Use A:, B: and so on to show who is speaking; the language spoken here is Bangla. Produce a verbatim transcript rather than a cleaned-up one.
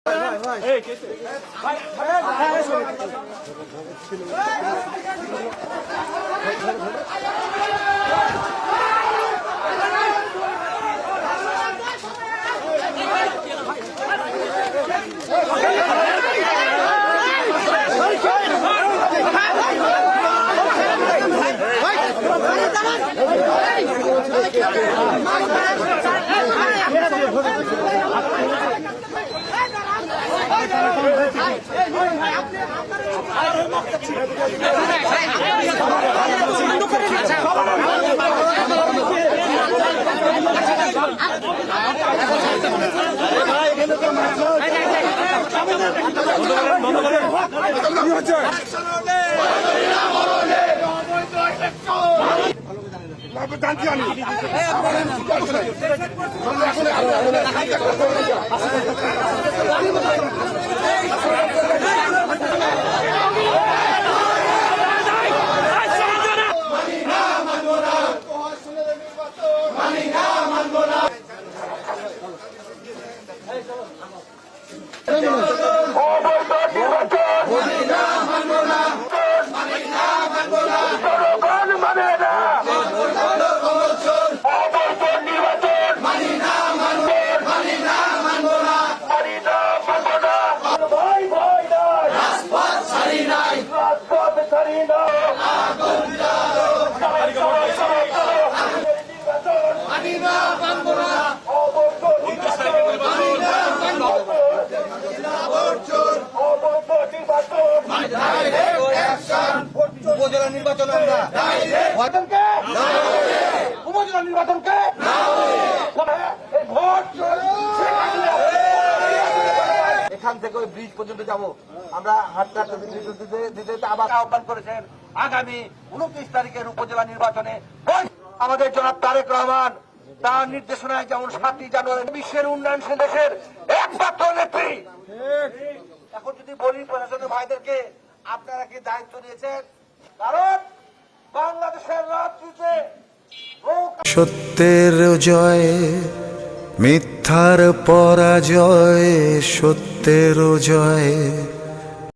A: উপজেলা নির্বাচন আমরা উপজেলা নির্বাচনকে এখান থেকে ওই ব্রিজ পর্যন্ত যাব আমরা হাঁটতে হাঁটতে দিতে দিতে আবার আহ্বান করেছেন আগামী উনত্রিশ তারিখের উপজেলা নির্বাচনে আমাদের জনাব তারেক রহমান তার নির্দেশনায় যেমন সাতই জানুয়ারি বিশ্বের উন্নয়নশীল দেশের একমাত্র নেত্রী। এখন যদি বলি প্রশাসনের ভাইদেরকে আপনারা কি দায়িত্ব দিয়েছেন, কারণ বাংলাদেশের রাজনীতিতে
B: সত্যের জয় মিথ্যার পরাজয়, সত্যের জয়